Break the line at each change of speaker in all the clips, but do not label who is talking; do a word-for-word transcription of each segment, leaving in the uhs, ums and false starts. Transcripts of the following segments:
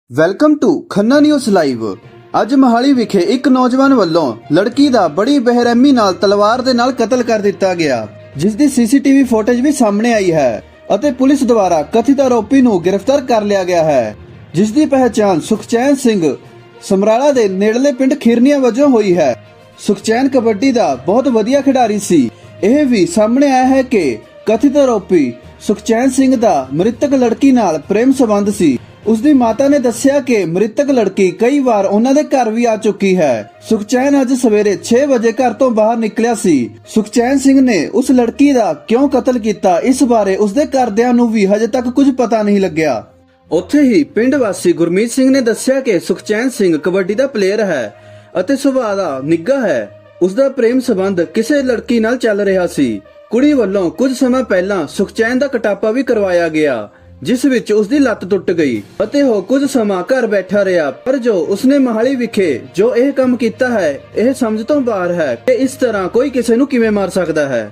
Welcome to Khanna news live. ਅੱਜ ਮੋਹਾਲੀ ਵਿਖੇ ਇੱਕ ਨੌਜਵਾਨ ਵੱਲੋਂ ਲੜਕੀ ਦਾ ਬੜੀ ਬੇਰਹਿਮੀ ਨਾਲ ਤਲਵਾਰ ਦੇ ਨਾਲ ਕਤਲ ਕਰ ਦਿੱਤਾ ਗਿਆ, ਜਿਸ ਦੀ ਸੀਸੀਟੀਵੀ ਫੁਟੇਜ ਵੀ ਸਾਹਮਣੇ ਆਈ ਹੈ ਅਤੇ ਪੁਲਿਸ ਦੁਆਰਾ ਕਥਿਤ ਆਰੋਪੀ ਨੂੰ ਗ੍ਰਿਫਤਾਰ ਕਰ ਲਿਆ ਗਿਆ ਹੈ, ਜਿਸ ਦੀ ਪਹਿਚਾਣ ਸੁਖਚੈਨ ਸਿੰਘ ਸਮਰਾਲਾ ਦੇ ਨੇੜਲੇ ਪਿੰਡ ਖਿਰਨੀਆਂ ਵਜੋਂ ਹੋਈ ਹੈ। ਸੁਖਚੈਨ ਕਬੱਡੀ ਦਾ ਬਹੁਤ ਵਧੀਆ ਖਿਡਾਰੀ ਸੀ। ਇਹ ਵੀ ਸਾਹਮਣੇ ਆਇਆ ਹੈ ਕਿ ਕਥਿਤ ਆਰੋਪੀ ਸੁਖਚੈਨ ਸਿੰਘ ਦਾ ਮ੍ਰਿਤਕ ਲੜਕੀ ਨਾਲ ਪ੍ਰੇਮ ਸੰਬੰਧ ਸੀ। ਉਸ ਦੀ ਮਾਤਾ ਨੇ ਦੱਸਿਆ ਕਿ ਮ੍ਰਿਤਕ ਲੜਕੀ ਕਈ ਵਾਰ ਉਹਨਾਂ ਦੇ ਘਰ ਵੀ ਆ ਚੁੱਕੀ ਹੈ। ਸੁਖਚੈਨ ਅੱਜ ਸਵੇਰੇ ਛੇ ਵਜੇ ਘਰ ਤੋਂ ਬਾਹਰ ਨਿਕਲਿਆ ਸੀ। ਸੁਖਚੈਨ ਸਿੰਘ ਨੇ ਉਸ ਲੜਕੀ ਦਾ ਕਿਉਂ ਕਤਲ ਕੀਤਾ, ਇਸ ਬਾਰੇ ਉਸਦੇ ਘਰਦਿਆਂ ਨੂੰ ਵੀ ਹਜੇ ਤੱਕ ਕੁਝ ਪਤਾ ਨਹੀਂ ਲੱਗਿਆ। ਉੱਥੇ ਹੀ ਪਿੰਡ ਵਾਸੀ ਗੁਰਮੀਤ ਸਿੰਘ ਨੇ ਦੱਸਿਆ ਕਿ ਸੁਖਚੈਨ ਸਿੰਘ ਕਬੱਡੀ ਦਾ ਪਲੇਅਰ ਹੈ ਅਤੇ ਸੁਭਾਅ ਦਾ ਨਿੱਘਾ ਹੈ। ਉਸ ਦਾ ਪ੍ਰੇਮ ਸੰਬੰਧ ਕਿਸੇ ਲੜਕੀ ਨਾਲ ਚੱਲ ਰਿਹਾ ਸੀ। ਕੁੜੀ ਵੱਲੋਂ ਕੁਝ ਸਮਾਂ ਪਹਿਲਾਂ ਸੁਖਚੈਨ ਦਾ ਕਟਾਪਾ ਵੀ ਕਰਵਾਇਆ ਗਿਆ, ਜਿਸ ਵਿੱਚ ਉਸ ਦੀ ਲੱਤ ਟੁੱਟ ਗਈ ਅਤੇ ਉਹ ਕੁਝ ਸਮਾਂ ਘਰ ਬੈਠਾ ਰਿਹਾ। ਪਰ ਜੋ ਉਸਨੇ ਮੋਹਾਲੀ ਵਿਖੇ ਜੋ ਇਹ ਕੰਮ ਕੀਤਾ ਹੈ, ਇਹ ਸਮਝ ਤੋਂ ਬਾਹਰ ਹੈ ਕਿ ਇਸ ਤਰ੍ਹਾਂ ਕੋਈ ਕਿਸੇ ਨੂੰ ਕਿਵੇਂ ਮਾਰ ਸਕਦਾ ਹੈ।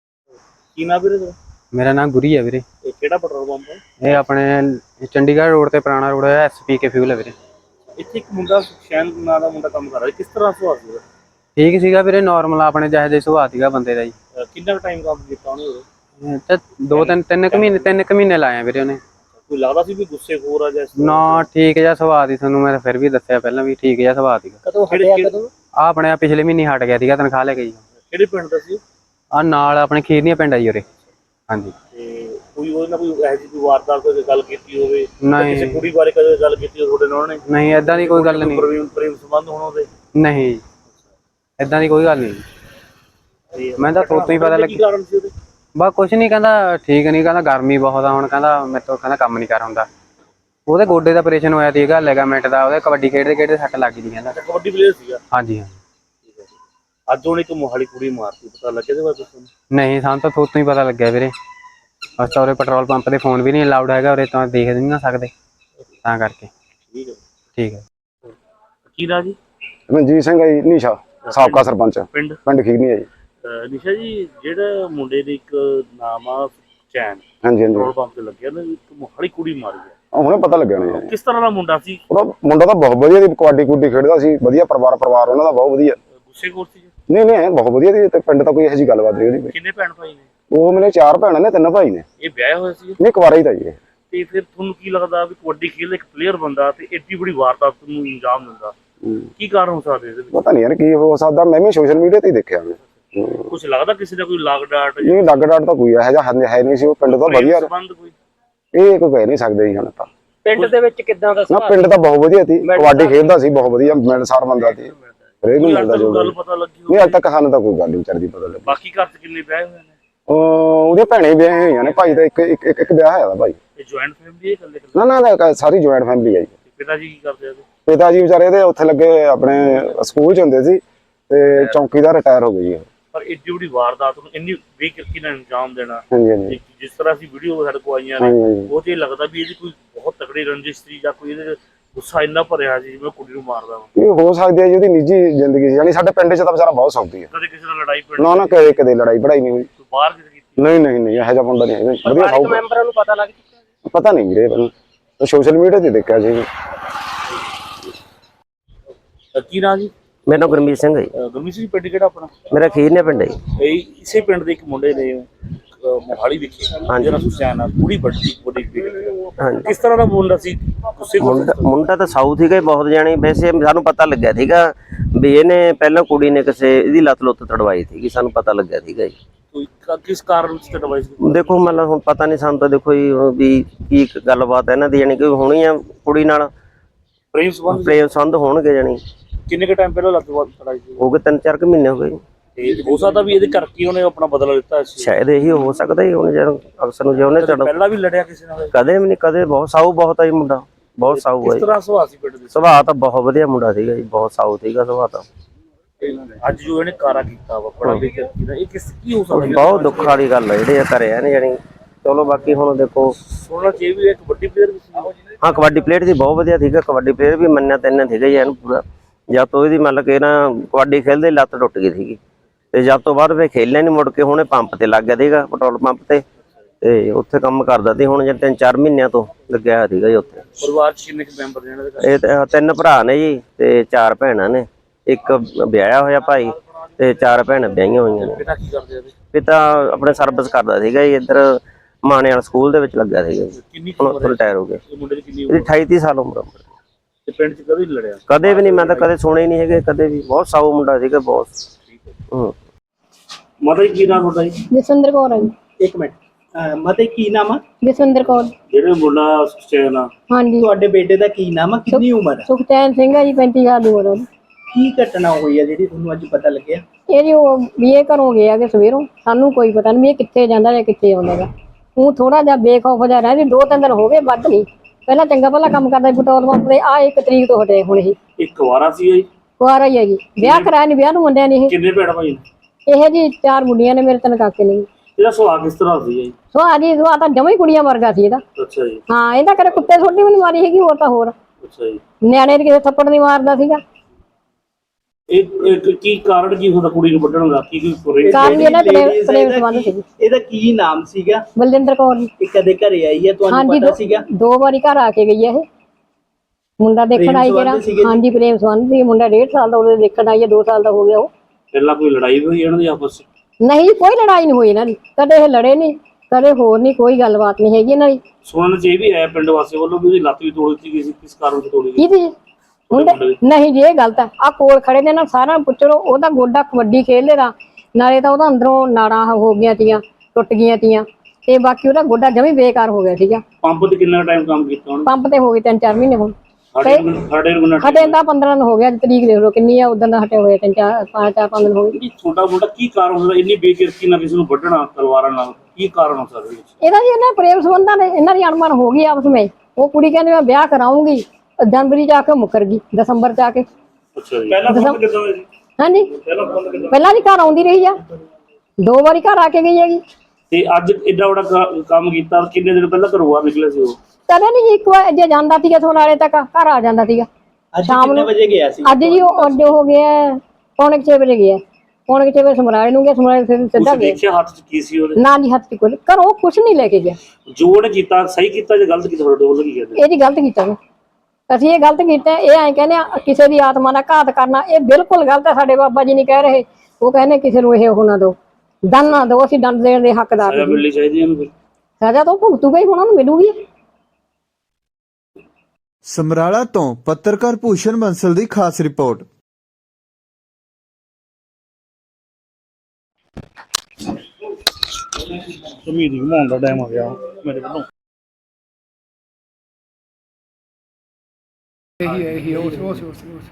ਕੀ ਨਾਮ ਵੀਰੇ?
ਮੇਰਾ ਨਾਮ ਗੁਰੀ ਹੈ ਵੀਰੇ।
ਇਹ ਕਿਹੜਾ ਪੈਟਰੋਲ ਪੰਪ ਹੈ?
ਇਹ ਆਪਣੇ ਚੰਡੀਗੜ੍ਹ ਰੋਡ ਤੇ ਪੁਰਾਣਾ ਰੋਡ ਹੈ, ਐਸਪੀ ਕੇ ਫਿਊਲ ਹੈ ਵੀਰੇ।
ਇੱਥੇ ਇੱਕ ਮੁੰਡਾ ਸੁਖਚੈਨ ਨਾਂ ਦਾ ਮੁੰਡਾ ਕੰਮ ਕਰ ਰਿਹਾ, ਕਿਸ ਤਰ੍ਹਾਂ ਸੁਭਾਅ ਸੀਗਾ?
ਠੀਕ ਸੀਗਾ ਵੀਰੇ, ਨਾਰਮਲ ਆਪਣੇ ਜਿਹੇ ਜਿਹੇ ਸੁਭਾਅ ਸੀਗਾ ਬੰਦੇ ਦਾ ਜੀ।
ਕਿੰਨਾ ਟਾਈਮ ਕੰਮ ਕੀਤਾ ਉਹਨੇ?
ਤੇ ਦੋ ਤਿੰਨ ਤਿੰਨ ਕੁ ਮਹੀਨੇ ਤਿੰਨ ਕੁ ਮਹੀਨੇ ਲਾਏ ਆ ਵੀਰੇ ਉਹਨੇ।
ਕੋਈ ਲੱਗਦਾ ਸੀ ਵੀ ਗੁੱਸੇਖੋਰ ਆ ਜਾਂ
ਨਾ ਠੀਕ ਜਿਹਾ ਸੁਭਾਅ ਦੀ, ਤੁਹਾਨੂੰ ਮੈਂ ਫਿਰ ਵੀ ਦੱਸਿਆ ਪਹਿਲਾਂ ਵੀ ਠੀਕ ਜਿਹਾ ਸੁਭਾਅ ਸੀਗਾ।
ਕਦੋਂ ਹਟਿਆ? ਕਦੋਂ
ਆ ਆਪਣੇ ਪਿਛਲੇ ਮਹੀਨੇ ਹਟ ਗਿਆ ਸੀਗਾ, ਤਨਖਾਹ ਲੈ ਕੇ ਜੀ।
ਕਿਹੜੇ ਪਿੰਡ ਦਾ ਸੀ?
ਆ ਨਾਲ ਆਪਣੇ ਖੀਰਨੀਆਂ ਪਿੰਡ ਆ ਜੀ ਉਰੇ। ਹਾਂਜੀ।
ਤੇ ਕੋਈ ਉਹਦੇ ਨਾਲ ਕੋਈ ਇਹੋ ਜਿਹੀ ਕੋਈ ਵਾਰਦਾਤ ਕੋਈ ਗੱਲ ਕੀਤੀ ਹੋਵੇ?
ਨਹੀਂ।
ਕਿਸੇ ਕੁੜੀ ਬਾਰੇ ਕਦੇ ਗੱਲ ਕੀਤੀ ਹੋਵੇ ਤੁਹਾਡੇ ਨਾਲ ਉਹਨੇ?
ਨਹੀਂ, ਏਦਾਂ ਦੀ ਕੋਈ ਗੱਲ ਨਹੀਂ।
ਪ੍ਰੇਮ ਪ੍ਰੇਮ ਸੰਬੰਧ ਹੋਣ ਉਹਦੇ?
ਨਹੀਂ, ਏਦਾਂ ਦੀ ਕੋਈ ਗੱਲ ਨਹੀਂ। ਮੈਂ ਤਾਂ ਤੋਂ ਹੀ ਪਤਾ
ਕੀ ਕਾਰਨ ਸੀ ਉਹਦੇ?
ਬਸ ਕੁਛ ਨਹੀਂ, ਕਹਿੰਦਾ ਠੀਕ ਨਹੀਂ, ਕਹਿੰਦਾ ਗਰਮੀ ਬਹੁਤ ਆ ਹੁਣ, ਕਹਿੰਦਾ ਮੇਰੇ ਤੋਂ ਕਹਿੰਦਾ ਕੰਮ ਨਹੀਂ ਕਰ ਹੁੰਦਾ। ਉਹਦੇ ਗੋਡੇ ਦਾ ਆਪਰੇਸ਼ਨ ਹੋਇਆ ਸੀਗਾ, ਲਿਗਾਮੈਂਟ ਦਾ। ਉਹਦੇ ਕਬੱਡੀ ਖੇਡਦੇ ਖੇਡਦੇ ਸੱਟ ਲੱਗ ਗਈ ਕਹਿੰਦਾ।
ਕਬੱਡੀ ਪਲੇਅਰ ਸੀਗਾ?
ਹਾਂਜੀ ਹਾਂ।
ਅੱਜ ਉਹਨੇ ਇੱਕ ਮੋਹਾਲੀ ਕੁੜੀ ਮਾਰਤੀ, ਪਤਾ ਲੱਗਿਆ ਇਹਦੇ ਬਾਰੇ ਤੁਹਾਨੂੰ?
ਨਹੀਂ, ਸਾਨੂੰ ਤਾਂ ਥੋਤੋਂ ਹੀ ਪਤਾ ਲੱਗਿਆ ਵੀਰੇ। ਅਸੀਂ ਤਾਂ ਉਰੇ ਪੈਟਰੋਲ ਪੰਪ ਦੇ ਫੋਨ ਵੀ ਨਹੀਂ ਅਲਾਉਡ ਹੈਗਾ ਉਰੇ, ਤਾਂ ਦੇਖ ਨਹੀਂ ਨਾ ਸਕਦੇ, ਤਾਂ ਕਰਕੇ।
ਠੀਕ ਹੈ
ਠੀਕ ਹੈ।
ਕੀ ਨਾਂ ਜੀ?
ਮਨਜੀਤ ਸਿੰਘ ਹੈ ਜੀ, ਨੀਸ਼ਾ ਸਾਬਕਾ ਸਰਪੰਚ
ਪਿੰਡ
ਪਿੰਡ ਖੀਰਨੀ ਹੈ ਜੀ।
ਨਿਸ਼ਾ ਜੀ, ਜਿਹੜਾ ਮੁੰਡੇ ਦੇ ਇੱਕ ਨਾਮ ਆ ਚੈਨ,
ਹਾਂਜੀ ਹਾਂਜੀ,
ਪੈਟਰੋਲ ਪੰਪ ਤੇ ਲੱਗਿਆ ਨਾ, ਇੱਕ ਮੋਹਾਲੀ ਕੁੜੀ ਮਾਰ ਗਿਆ,
ਹੁਣੇ ਪਤਾ ਲੱਗਿਆ ਨੇ।
ਕਿਸ ਤਰ੍ਹਾਂ ਦਾ ਮੁੰਡਾ ਸੀ?
ਉਹਦਾ ਮੁੰਡਾ ਤਾਂ ਬਹੁਤ ਵਧੀਆ ਸੀ, ਕਬੱਡੀ ਕੁੱਡੀ ਖੇਡਦਾ ਸੀ, ਵਧੀਆ ਪਰਿਵਾਰ ਪਰਿਵਾਰ ਉਹਨਾਂ ਦਾ ਬਹੁਤ ਵਧੀਆ।
ਗੁੱਸੇਖੋਰ ਸੀ?
ਨਹੀਂ ਨਹੀਂ, ਬਹੁਤ ਵਧੀਆ ਸੀ ਤੇ ਪਿੰਡ ਤਾਂ ਕੋਈ ਇਹੋ ਜਿਹੀ ਗੱਲਬਾਤ ਨਹੀਂ ਉਹਦੀ।
ਕਿੰਨੇ ਭੈਣ ਭਾਈ ਨੇ?
ਉਹ ਮੇਰੇ ਚਾਰ ਭੈਣਾਂ ਨੇ, ਤਿੰਨ ਭਾਈ ਨੇ।
ਇਹ ਵਿਆਹਿਆ ਹੋਇਆ ਸੀ?
ਨਹੀਂ, ਕੁਆਰਾ ਹੀ ਤਾਂ ਜੀ।
ਤੇ ਫਿਰ ਤੁਹਾਨੂੰ ਕੀ ਲੱਗਦਾ ਵੀ ਕਬੱਡੀ ਖੇਡਦਾ ਇੱਕ ਪਲੇਅਰ ਬੰਦਾ ਤੇ ਏਡੀ ਬੜੀ ਵਾਰਦਾਤ ਨੂੰ ਅੰਜਾਮ ਦਿੰਦਾ, ਕੀ ਕਾਰਨ ਹੋ ਸਕਦਾ ਇਹਦੇ ਵਿੱਚ?
ਪਤਾ ਨਹੀਂ ਯਾਰ ਕੀ ਹੋ ਸਕਦਾ, ਮੈਂ ਵੀ ਸੋਸ਼ਲ ਮੀਡੀਆ ਤੇ ਹੀ ਦੇਖਿਆ।
ਕੁਛ ਲੱਗਦਾ ਕਿਸੇ ਦਾ ਕੋਈ ਲਾਗ ਡਾਟ?
ਨਹੀਂ, ਲੱਗ ਡਾਟ ਤਾਂ ਕੋਈ ਇਹੋ ਜਿਹਾ ਹੈ ਨਹੀਂ ਸੀ। ਉਹ ਪਿੰਡ ਤਾਂ ਵਧੀਆ,
ਕੋਈ
ਇਹ ਕੋਈ ਕਹਿ ਨਹੀਂ ਸਕਦੇ ਜੀ ਹੁਣ ਤਾਂ।
ਪਿੰਡ ਦੇ ਵਿੱਚ ਕਿੱਦਾਂ ਦਾ?
ਨਾ, ਪਿੰਡ ਤਾਂ ਬਹੁਤ ਵਧੀਆ ਸੀ, ਕਬੱਡੀ ਖੇਡਦਾ ਸੀ, ਬਹੁਤ ਵਧੀਆ ਮਿਲਣਸਾਰ ਬੰਦਾ ਸੀ। ਫਿਰ ਇਹਨੂੰ ਮਿਲਦਾ ਜੋ
ਗੱਲ ਪਤਾ ਲੱਗੀ
ਨਹੀਂ, ਅੱਜ ਤੱਕ ਸਾਨੂੰ ਤਾਂ ਕੋਈ ਗੱਲ ਨਹੀਂ ਵਿਚਾਰਦੀ ਪਤਾ ਲੱਗੀ।
ਬਾਕੀ ਘਰ ਚ ਕਿੰਨੇ ਵਿਆਹ ਹੋਏ ਨੇ?
ਉਹਦੇ ਭੈਣੇ ਵਿਆਹ ਹੋਈਆਂ ਨੇ, ਭਾਈ ਦਾ ਇੱਕ ਇੱਕ ਇੱਕ ਵਿਆਹ ਹੋਇਆ ਵਾ ਭਾਈ।
ਇਹ ਜੁਆਇੰਟ ਫੈਮਿਲੀ ਹੈ ਇਕੱਲੇ?
ਨਾ ਨਾ, ਸਾਰੀ ਜੁਆਇੰਟ ਫੈਮਿਲੀ ਹੈ ਜੀ।
ਪਿਤਾ ਜੀ ਕੀ ਕਰਦੇ ਆ?
ਪਿਤਾ ਜੀ ਵਿਚਾਰੇ ਦੇ ਉੱਥੇ ਲੱਗੇ ਆਪਣੇ ਸਕੂਲ ਚ ਹੁੰਦੇ ਸੀ ਤੇ ਚੌਂਕੀਦਾਰ ਰਿਟਾਇਰ ਹੋ ਗਈ ਹੈ।
ਪਰ ਏਡੀ ਬੜੀ ਵਾਰਦਾਤ ਨੂੰ ਇੰਨੀ ਬੇਕਿਰਕੀ ਨਾਲ ਅੰਜਾਮ ਦੇਣਾ,
ਹਾਂਜੀ ਹਾਂਜੀ,
ਜਿਸ ਤਰ੍ਹਾਂ ਅਸੀਂ ਵੀਡੀਓ ਸਾਡੇ ਕੋਲ ਆਈਆਂ ਨੇ, ਉਹ ਤੇ ਲੱਗਦਾ ਵੀ ਇਹਦੀ ਕੋਈ ਬਹੁਤ ਤਕੜੀ ਰੰਜਿਸ਼ ਸੀ ਜਾਂ ਕੋਈ ਇਹਦੇ ਗੁੱਸਾ ਇੰਨਾ ਭਰਿਆ ਸੀ ਜਿਵੇਂ ਕੁੜੀ ਨੂੰ ਮਾਰਦਾ ਵਾ।
ਇਹ ਹੋ ਸਕਦੀ ਹੈ ਜੀ, ਉਹਦੀ ਨਿੱਜੀ ਜ਼ਿੰਦਗੀ ਸੀ। ਯਾਨੀ ਸਾਡੇ ਪਿੰਡ ਚ ਤਾਂ ਵਿਚਾਰਾ ਬਹੁਤ ਸੌਖੀ ਹੈ।
ਕਦੇ ਕਿਸੇ ਨਾਲ ਲੜਾਈ ਪੜੀ?
ਨਾ ਨਾ, ਕਦੇ ਕਦੇ ਲੜਾਈ ਪੜਾਈ ਨਹੀਂ ਹੋਈ।
ਬਾਹਰ ਕਿਤੇ ਕੀਤੀ?
ਨਹੀਂ ਨਹੀਂ ਨਹੀਂ, ਇਹੋ ਜਿਹਾ ਮੁੰਡਾ ਨਹੀਂ ਹੈਗਾ, ਵਧੀਆ ਸੌਖਾ।
ਮੈਂਬਰਾਂ ਨੂੰ ਪਤਾ ਲੱਗ ਚੁੱਕਾ?
ਪਤਾ ਨਹੀਂ ਵੀਰੇ, ਮੈਨੂੰ ਸੋਸ਼ਲ ਮੀਡੀਆ ਤੇ ਦੇਖਿਆ ਸੀ।
ਕੀ ਨਾਂ ਜੀ?
ਮੇਰਾ ਨਾਮ ਗੁਰਮੀਤ ਸਿੰਘ ਹੈ।
ਗੁਰਮੀਤ ਸਿੰਘ, ਪਿੰਡ ਕਿਹੜਾ ਆਪਣਾ?
ਮੇਰਾ ਖੀਰਨੇ ਪਿੰਡ ਹੈ ਜੀ।
ਇਹ ਇਸੇ ਪਿੰਡ ਦੇ ਇੱਕ ਮੁੰਡੇ ਨੇ ਮੋਹਾਲੀ ਵਿਖੇ, ਜਿਹੜਾ ਸੁਖਚੈਨ ਆ, ਕੁੜੀ ਵੱਡੀ ਵੱਡੀ।
ਹਾਂਜੀ।
ਕਿਸ ਤਰ੍ਹਾਂ ਦਾ ਮੁੰਡਾ ਸੀ? ਗੁੱਸੇ
ਮੁੰਡਾ ਮੁੰਡਾ ਤਾਂ ਸਾਊਥ ਸੀਗਾ ਬਹੁਤ ਜਾਣੀ। ਵੈਸੇ ਸਾਨੂੰ ਪਤਾ ਲੱਗਿਆ ਸੀਗਾ ਵੀ ਇਹਨੇ ਪਹਿਲਾਂ ਕੁੜੀ ਨੇ ਕਿਸੇ ਇਹਦੀ ਲੱਤ ਲੁੱਤ ਤੜਵਾਈ ਸੀਗੀ, ਸਾਨੂੰ ਪਤਾ ਲੱਗਿਆ ਸੀਗਾ ਜੀ।
ਕੋਈ ਕਿਸ ਕਾਰਨ ਚ ਤੜਵਾਈ ਸੀ?
ਦੇਖੋ ਮਤਲਬ ਹੁਣ ਪਤਾ ਨਹੀਂ ਸਾਨੂੰ ਤਾਂ, ਦੇਖੋ ਜੀ ਵੀ ਕੀ ਗੱਲਬਾਤ ਹੈ ਇਹਨਾਂ ਦੀ, ਜਾਣੀ ਕਿ ਹੋਣੀ ਆ ਕੁੜੀ ਨਾਲ
ਪ੍ਰੇਮ ਸੰਬੰਧ?
ਪ੍ਰੇਮ ਸੰਬੰਧ ਹੋਣਗੇ ਜਾਣੀ।
ਕਿੰਨੇ ਕੁ ਟਾਈਮ ਪਹਿਲਾਂ ਲੱਤ ਤੜਾਈ ਸੀ?
ਹੋ ਗਏ ਤਿੰਨ ਚਾਰ ਕੁ ਮਹੀਨੇ ਹੋ ਗਏ।
ਤੇ ਹੋ ਸਕਦਾ ਵੀ ਇਹਦੇ ਕਰਕੇ ਉਹਨੇ ਆਪਣਾ ਬਦਲਾ ਲਿੱਤਾ ਸੀ।
ਸ਼ਾਇਦ ਇਹੀ ਹੋ ਸਕਦਾ ਜੀ। ਹੁਣ ਜਦੋਂ ਅਫਸਰ ਨੂੰ ਜੇ ਉਹਨੇ
ਪਹਿਲਾਂ ਵੀ ਲੜਿਆ ਕਿਸੇ ਨਾਲ?
ਕਦੇ ਵੀ ਨਹੀਂ, ਕਦੇ। ਬਹੁਤ ਸਾਊ ਬਹੁਤ ਆ ਜੀ ਮੁੰਡਾ, ਬਹੁਤ ਸਾਊ ਹੈ।
ਕਿਸ ਤਰ੍ਹਾਂ ਸੁਭਾਅ ਸੀ ਪਿੰਡ ਦੇ?
ਸੁਭਾਅ ਤਾਂ ਬਹੁਤ ਵਧੀਆ ਮੁੰਡਾ ਸੀਗਾ ਜੀ, ਬਹੁਤ ਸਾਊ ਸੀਗਾ ਸੁਭਾਅ ਤਾਂ।
ਅੱਜ ਜੋ ਇਹਨੇ ਕਾਰਾ ਕੀਤਾ ਵਾ ਬੜਾ ਬੇਇੱਜ਼ਤੀ ਦਾ, ਇਹ ਕਿਸ ਕੀ ਹੋ ਸਕਦਾ?
ਬਹੁਤ ਦੁੱਖ ਵਾਲੀ ਗੱਲ ਹੈ ਜਿਹੜੇ ਕਰਿਆ ਨੇ ਜਾਨੀ। ਚਲੋ ਬਾਕੀ ਹੁਣ ਦੇਖੋ,
ਸੋਨਾ ਚੇ ਵੀ ਇੱਕ ਵੱਡੀ ਪਲੇਅਰ ਵੀ ਸੀ।
ਹਾਂ, ਕਬੱਡੀ ਪਲੇਅਰ ਦੀ ਬਹੁਤ ਵਧੀਆ ਸੀਗਾ, ਕਬੱਡੀ ਪਲੇਅਰ ਵੀ ਮੰਨਿਆ ਤੈਨਾਂ ਸੀਗਾ ਜੀ ਇਹਨੂੰ ਪੂਰਾ। ਜਦ ਤੋਂ ਇਹਦੀ ਮੰਨ ਕੇ ਨਾ ਕਬੱਡੀ ਖੇਲਦੇ ਲੱਤ ਟੁੱਟ ਗਈ ਸੀਗੀ, ਤੇ ਜਦ ਤੋਂ ਬਾਅਦ ਫਿਰ ਖੇਲਿਆ ਨਹੀਂ ਮੁੜ ਕੇ। ਹੁਣੇ ਪੰਪ ਤੇ ਲੱਗ ਗਿਆ ਸੀਗਾ, ਪੈਟਰੋਲ ਪੰਪ ਤੇ। ਤੇ ਉੱਥੇ ਕੰਮ ਕਰਦਾ ਸੀ। ਹੁਣ ਜੇ ਤਿੰਨ ਚਾਰ ਮਹੀਨਿਆਂ ਤੋਂ ਲੱਗਿਆ ਹੋਇਆ ਸੀਗਾ ਜੀ ਉੱਥੇ।
ਪਰਿਵਾਰ ਚ ਕਿੰਨੇ ਕੁ ਮੈਂਬਰ ਨੇ ਇਹਨਾਂ ਦੇ ਘਰ?
ਇਹ ਤਾਂ ਤਿੰਨ ਭਰਾ ਨੇ ਜੀ ਤੇ ਚਾਰ ਭੈਣਾਂ ਨੇ, ਇੱਕ ਵਿਆਹਿਆ ਹੋਇਆ ਭਾਈ ਤੇ ਚਾਰ ਭੈਣਾਂ ਵਿਆਹੀਆਂ ਹੋਈਆਂ ਨੇ।
ਪਿਤਾ ਕੀ ਕਰਦੇ ਆ ਇਹਦੇ?
ਪਿਤਾ ਆਪਣੇ ਸਰਵਿਸ ਕਰਦਾ ਸੀਗਾ ਜੀ, ਇੱਧਰ ਮਾਣੇ ਵਾਲਾ ਸਕੂਲ ਦੇ ਵਿੱਚ ਲੱਗਾ ਸੀਗਾ ਜੀ।
ਕਿੰਨੀ ਕੁ
ਹੁਣ
ਉਮਰ ਹੈ?
ਰਿਟਾਇਰ ਹੋ ਗਏ।
ਇਹ ਮੁੰਡੇ ਦੀ ਕਿੰਨੀ
ਇਹਦੀ
ਉਮਰ?
ਅਠਾਈ ਤੀਹ ਸਾਲ ਉਮਰ ਆ।
ਤੇ ਪਿੰਡ ਚ ਕਦੇ ਨਹੀਂ ਲੜਿਆ?
ਕਦੇ ਵੀ ਨਹੀਂ, ਮੈਂ ਤਾਂ ਕਦੇ ਸੁਣੇ ਹੀ ਨਹੀਂ ਹੈਗੇ ਕਦੇ ਵੀ। ਬਹੁਤ ਸਾਊ ਮੁੰਡਾ ਸੀਗਾ ਬਹੁਤ। ਹੂੰ।
ਮਾਤਾ ਜੀ ਕੀ ਨਾਮ ਤੁਹਾਡਾ ਜੀ?
ਜਸਵਿੰਦਰ ਕੌਰ ਹੈ ਜੀ।
ਇੱਕ ਮਿੰਟ ਅਹ ਮਤੇ ਕੀ ਨਾਮ ਆ
ਜਸਵਿੰਦਰ ਕੌਰ।
ਜਿਹੜੇ ਮੁੰਡਾ ਸੁਚੈਨ ਆ,
ਹਾਂਜੀ।
ਤੁਹਾਡੇ ਬੇਟੇ ਦਾ ਕੀ ਨਾਮ ਆ, ਕਿੰਨੀ ਉਮਰ ਆ,
ਸੁਖਚੈਨ ਸਿੰਘ ਹੈ ਜੀ, ਪੈਂਤੀ ਸਾਲ ਦੀ ਉਮਰ ਉਹਦੀ।
ਕੀ ਘਟਨਾ ਹੋਈ ਆ ਜਿਹੜੀ ਤੁਹਾਨੂੰ ਅੱਜ ਪਤਾ ਲੱਗਿਆ?
ਇਹ ਜੀ ਉਹ ਵੀ ਇਹ ਘਰੋਂ ਗਿਆ ਕਿ ਸਵੇਰੋਂ, ਸਾਨੂੰ ਕੋਈ ਪਤਾ ਨਹੀਂ ਵੀ ਇਹ ਕਿੱਥੇ ਜਾਂਦਾ ਜਾਂ ਕਿੱਥੇ ਆਉਂਦਾ ਗਾ। ਉਹ ਥੋੜਾ ਜਿਹਾ ਬੇਖੌਫ ਜਿਹਾ ਰਹਿ ਵੀ ਦੋ ਤਿੰਨ ਦਿਨ ਹੋ ਗਏ, ਵੱਧ ਨਹੀਂ। ਪਹਿਲਾਂ ਚੰਗਾ ਭਲਾ ਕੰਮ ਕਰਦਾ ਸੀ ਪੈਟਰੋਲ ਪੰਪ ਤੇ, ਆ ਇੱਕ ਤਰੀਕ ਤੋਂ ਹਟੇ ਹੁਣ ਇਹ
ਇੱਕ ਵਾਰਾ ਸੀ ਜੀ?
ਕੁਆਰਾ ਹੀ ਹੈ ਜੀ, ਵਿਆਹ ਕਰਾਇਆ ਨਹੀਂ, ਵਿਆਹ ਨੂੰ ਮੁੰਡਿਆਂ ਨੇ।
ਕਿੰਨੇ ਭੈਣ ਭਾਈ ਨੇ?
ਇਹ ਇਹ ਜੀ ਚਾਰ ਮੁੰਡੀਆਂ ਨੇ, ਮੇਰੇ ਤਿੰਨ ਕਾਕੇ ਨੇ ਜੀ।
ਇਹਦਾ ਸੁਭਾਅ ਕਿਸ ਤਰ੍ਹਾਂ ਸੀ ਜੀ?
ਸੋ ਆ ਜੀ ਸੋ ਤਾਂ ਜਮਾਂ ਹੀ ਕੁੜੀਆਂ ਵਰਗਾ ਸੀ ਇਹਦਾ।
ਅੱਛਾ ਜੀ।
ਹਾਂ, ਇਹਦਾ ਕਦੇ ਕੁੱਤੇ ਛੋਟੀ ਵੀ ਨਹੀਂ ਮਾਰੀ ਹੈਗੀ, ਹੋਰ ਤਾਂ ਹੋਰ।
ਅੱਛਾ ਜੀ।
ਨਿਆਣੇ ਦੇ ਕਿਸੇ ਥੱਪੜ ਨਹੀਂ ਮਾਰਦਾ ਸੀਗਾ।
ਇਹ ਇੱਕ ਕੀ ਕਾਰਨ ਕੀ ਹੁੰਦਾ ਕੁੜੀ ਨੂੰ ਵੱਢਣ ਦਾ? ਕੀ ਕੋਈ ਪੁਰੇ?
ਕਾਰਨ ਇਹਦਾ ਪ੍ਰੇਮ
Ladies
ਪ੍ਰੇਮ
ਇਹਦਾ
ਸੰਬੰਧ
ਕੀ-
ਸੀ।
ਇਹਦਾ ਕੀ ਨਾਮ ਸੀਗਾ?
ਬਲਜਿੰਦਰ ਕੌਰ ਜੀ।
ਇਹ ਕਦੇ ਘਰੇ ਆਈ ਹੈ, ਤੁਹਾਨੂੰ
ਹਾਂਜੀ,
ਪਤਾ
ਦੋ-
ਸੀਗਾ?
ਦੋ ਵਾਰੀ ਘਰ ਆ ਕੇ ਗਈ ਹੈ ਇਹ। ਮੁੰਡਾ ਦੇਖਣ
ਪ੍ਰੇਮ
ਆਈ
ਸੰਬੰਧ
ਜਿਹੜਾ।
ਸੀਗੇ ਜੀ?
ਹਾਂਜੀ, ਪ੍ਰੇਮ ਸੰਬੰਧ ਸੀ। ਮੁੰਡਾ ਡੇਢ ਸਾਲ ਦਾ ਉਹਦੇ ਦੇਖਣ ਆਈ ਹੈ, ਦੋ ਸਾਲ ਦਾ ਹੋ ਗਿਆ ਉਹ।
ਪਹਿਲਾਂ ਕੋਈ ਲੜਾਈ ਹੋਈ ਇਹਨਾਂ ਦੀ ਆਪਸ ਚ?
ਨਹੀਂ, ਕੋਈ ਲੜਾਈ ਨਹੀਂ ਹੋਈ ਇਹਨਾਂ ਦੀ, ਕਦੇ ਇਹ ਲੜੇ ਨਹੀਂ, ਕਦੇ ਹੋਰ ਨਹੀਂ, ਕੋਈ ਗੱਲਬਾਤ ਨਹੀਂ ਹੈਗੀ ਇਹਨਾਂ ਦੀ।
ਸੁਣਨ ਚ ਇਹ ਵੀ ਆਇਆ ਪਿੰਡ ਵਾਸੀ ਵੱਲੋਂ ਵੀ ਉਹਦੀ ਲੱਤ ਵੀ ਤੋੜ ਦਿੱਤੀ ਗਈ ਸੀ, ਕਿਸ ਕਾਰਨ ਤੋਂ ਤੋੜੀ ਗਈ?
ਕਿਹਦੀ ਮੁੰਡੇ? ਨਹੀਂ ਜੀ, ਇਹ ਗਲਤ ਹੈ। ਆ ਕੋਲ ਖੜੇ ਨੇ ਨਾ, ਸਾਰਾ ਪੁੱਛੋ। ਉਹਦਾ ਗੋਡਾ ਕਬੱਡੀ ਖੇਡਦੇ ਦਾ, ਨਾਲੇ ਤਾਂ ਉਹਦਾ ਅੰਦਰੋਂ ਨਾੜਾਂ ਹੋ ਗਈਆਂ ਤੀਆਂ, ਟੁੱਟ ਗਈਆਂ ਤੀਆਂ, ਤੇ ਬਾਕੀ ਉਹਦਾ ਗੋਡਾ ਜਮੀ ਬੇਕਾਰ ਹੋ ਗਿਆ ਸੀਗਾ।
ਪੰਪ ਤੇ ਕਿੰਨਾ ਟਾਈਮ ਕੰਮ ਕੀਤਾ ਉਹਨੇ?
ਪੰਪ ਤੇ ਹੋ ਗਏ ਤਿੰਨ ਚਾਰ ਮਹੀਨੇ ਹੁਣ।
ਸਾਡੇ ਨੂੰ- ਸਾਡੇ ਨੂੰ ਕਿੰਨਾ
ਹਟੇ ਤਾਂ ਪੰਦਰਾਂ ਦਿਨ ਹੋ ਗਿਆ, ਤਰੀਕ ਦੇਖ ਲਓ ਕਿੰਨੀ ਆ, ਉਦੋਂ ਦਾ ਹਟੇ ਹੋਏ ਤਿੰਨ ਚਾਰ ਪੰਜ ਚਾਰ ਪੰਜ ਦਿਨ ਹੋ ਗਏ।
ਨਹੀਂ, ਛੋਟਾ ਮੋਟਾ ਕੀ ਕਾਰਨ ਹੁੰਦਾ ਇੰਨੀ ਬੇਕਿਰਕੀ ਨਾਲ ਕਿਸੇ ਨੂੰ ਵੱਢਣਾ ਤਲਵਾਰਾਂ ਨਾਲ? ਕੀ ਕਾਰਨ ਹੋ ਸਕਦਾ ਵਿੱਚ?
ਇਹਦਾ ਜੀ ਇਹਨਾਂ ਪ੍ਰੇਮ ਸੰਬੰਧਾਂ ਨੇ, ਇਹਨਾਂ ਦੀ ਅਣਮਨ ਹੋ ਗਈ ਆਪਸ ਵਿੱਚ। ਉਹ ਕੁੜੀ ਕਹਿੰਦੀ ਮੈਂ ਵਿਆਹ ਕਰਾਉਂਗੀ, ਜਨਵਰੀ ਜਾ ਕੇ ਮੁੱਕਰ ਗਈ, ਦਸੰਬਰ ਚ ਆ ਕੇ।
ਅੱਛਾ ਜੀ। ਪਹਿਲਾਂ ਫੋਨ ਕਿਦਾਂ ਹੋਇਆ ਜੀ?
ਹਾਂਜੀ,
ਪਹਿਲਾਂ ਫੋਨ ਕਿਦਾਂ?
ਪਹਿਲਾਂ ਵੀ ਘਰ ਆਉਂਦੀ ਰਹੀ ਆ, ਦੋ ਵਾਰੀ ਘਰ ਆ ਕੇ ਗਈ ਹੈਗੀ।
ਤੇ ਅੱਜ ਏਡਾ ਵੱਡਾ ਕ- ਕੰਮ ਕੀਤਾ, ਕਿੰਨੇ ਦਿਨ ਪਹਿਲਾਂ ਘਰੋਂ ਬਾਹਰ ਨਿਕਲੇ ਸੀ ਉਹ?
ਕਦੇ ਨਹੀਂ ਜੀ, ਇੱਕ ਵਾਰ ਜੇ ਜਾਂਦਾ ਸੀਗਾ ਸੋਨਾਲੇ ਤੱਕ ਘਰ ਆ ਜਾਂਦਾ ਸੀਗਾ।
ਅੱਜ
ਸ਼ਾਮ
ਕਿੰਨੇ
ਨੂੰ-
ਵਜੇ ਗਿਆ ਸੀ?
ਅੱਜ ਜੀ ਉਹ ਅੱਜ ਹੋ ਗਿਆ ਪੌਣੇ ਛੇ ਵਜੇ ਗਿਆ, ਪੌਣੇ ਛੇ ਵਜੇ ਸਮਰਾਲੇ ਨੂੰ ਗਿਆ, ਸਮਰਾਲੇ ਫਿਰ ਸਿੱਧਾ
ਤੁਸੀਂ
ਗਿਆ।
ਦੇਖਿਆ ਹੱਥ 'ਚ ਕੀ ਸੀ ਉਹਦੇ?
ਨਾ ਜੀ, ਹੱਥ ਚ ਕੋਲ ਘਰੋਂ ਕੁਛ ਨਹੀਂ ਲੈ ਕੇ ਗਿਆ।
ਜੋ ਉਹਨੇ ਕੀਤਾ ਸਹੀ ਕੀਤਾ ਜਾਂ ਗਲਤ ਕੀਤਾ? ਤੁਹਾਡੇ ਵੱਲੋਂ ਕੀ ਕਹਿੰਦੇ?
ਇਹ ਜੀ ਗਲਤ ਕੀਤਾ ਵਾ। ਅਸੀਂ ਇਹ ਗਲਤ ਕੀਤਾ। ਇਹ ਐਂ ਕਹਿੰਦੇ ਆ ਕਿਸੇ ਦੀ ਆਤਮਾ ਦਾ ਘਾਤ ਕਰਨਾ, ਇਹ ਬਿਲਕੁਲ ਗਲਤ ਹੈ। ਸਾਡੇ ਬਾਬਾ ਜੀ ਨਹੀਂ ਕਹਿ ਰਹੇ, ਉਹ ਕਹਿੰਦੇ ਕਿਸੇ ਨੂੰ ਇਹ ਉਹ ਨਾ ਦਿਓ, ਦੰਡ ਨਾ ਦਿਓ, ਅਸੀਂ ਦੰਡ ਦੇਣ ਦੇ ਹੱਕਦਾਰ
ਸਜ਼ਾ
ਨਹੀਂ।
ਮਿਲਣੀ ਚਾਹੀਦੀ ਇਹਨੂੰ ਫਿਰ।
ਸਜ਼ਾ ਤਾਂ ਉਹ ਭੁਗਤੂਗਾ ਹੀ, ਉਹਨਾਂ ਨੂੰ ਮਿਲੂਗੀ।
ਸਮਰਾਲਾ ਤੋਂ ਪੱਤਰਕਾਰ ਭੂਸ਼ਣ ਬੰਸਲ ਦੀ ਖਾਸ ਰਿਪੋਰਟ।
ਜ਼ਮੀਨ ਦੀ ਘਮਾਉਣ ਦਾ ਟਾਈਮ ਆ ਗਿਆ ਮੇਰੇ ਵੱਲੋਂ।
ਇਹੀ ਹੈ ਇਹੀ ਹੈ ਉਸ ਉਸ ਉਸ ਉਸ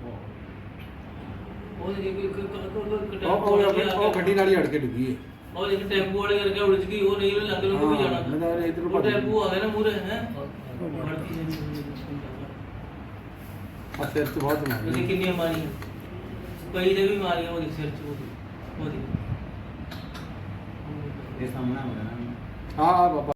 ਉਹ ਗੱਡੀ ਨਾਲ ਹੀ ਅੜ ਕੇ ਡਿੱਗੀ ਹੈ।
ਉਹ ਇੱਕ ਟੈਂਪੂ ਵਾਲੇ ਕਰਕੇ ਉਲਝ ਗਈ, ਉਹ ਨਹੀਂ ਲੱਗ ਰਿਹਾ ਕੋਈ ਜਾਣਾ।
ਮੈਂ ਤਾਂ ਇਧਰੋਂ
ਉਹ ਟੈਂਪੂ ਆ ਗਿਆ ਨਾ ਮੂਰੇ ਹੈ
ਆ ਸਿਰ ਚ ਬਹੁਤ ਮਾਰੀ
ਉਹਨੇ ਕਿੰਨੀਆਂ ਮਾਰੀਆਂ, ਕਈ ਦੇ ਵੀ ਮਾਰੀਆਂ ਉਹਦੇ ਸਿਰ ਚ। ਉਹਦੀ ਉਹਦੀ ਇਹ ਸਾਹਮਣਾ ਹੋ ਗਿਆ ਨਾ।
ਹਾਂ ਬਾਬਾ।